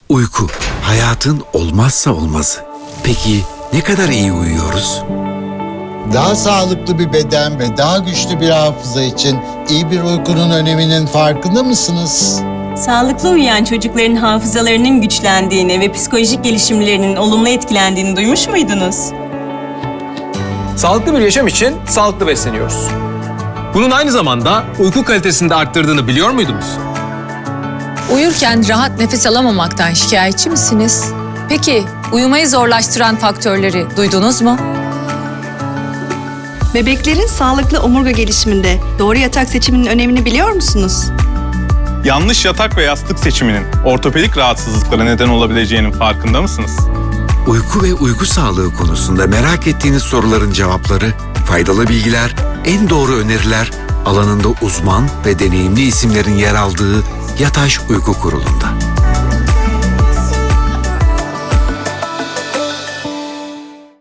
Uyku, hayatın olmazsa olmazı. Peki ne kadar iyi uyuyoruz? Daha sağlıklı bir beden ve daha güçlü bir hafıza için iyi bir uykunun öneminin farkında mısınız? Sağlıklı uyuyan çocukların hafızalarının güçlendiğini ve psikolojik gelişimlerinin olumlu etkilendiğini duymuş muydunuz? Sağlıklı bir yaşam için sağlıklı besleniyoruz. Bunun aynı zamanda uyku kalitesini de arttırdığını biliyor muydunuz? Uyurken rahat nefes alamamaktan şikayetçi misiniz? Peki uyumayı zorlaştıran faktörleri duydunuz mu? Bebeklerin sağlıklı omurga gelişiminde doğru yatak seçiminin önemini biliyor musunuz? Yanlış yatak ve yastık seçiminin ortopedik rahatsızlıklara neden olabileceğinin farkında mısınız? Uyku ve uyku sağlığı konusunda merak ettiğiniz soruların cevapları, faydalı bilgiler, en doğru öneriler alanında uzman ve deneyimli isimlerin yer aldığı Yataş Uyku Kurulu'nda.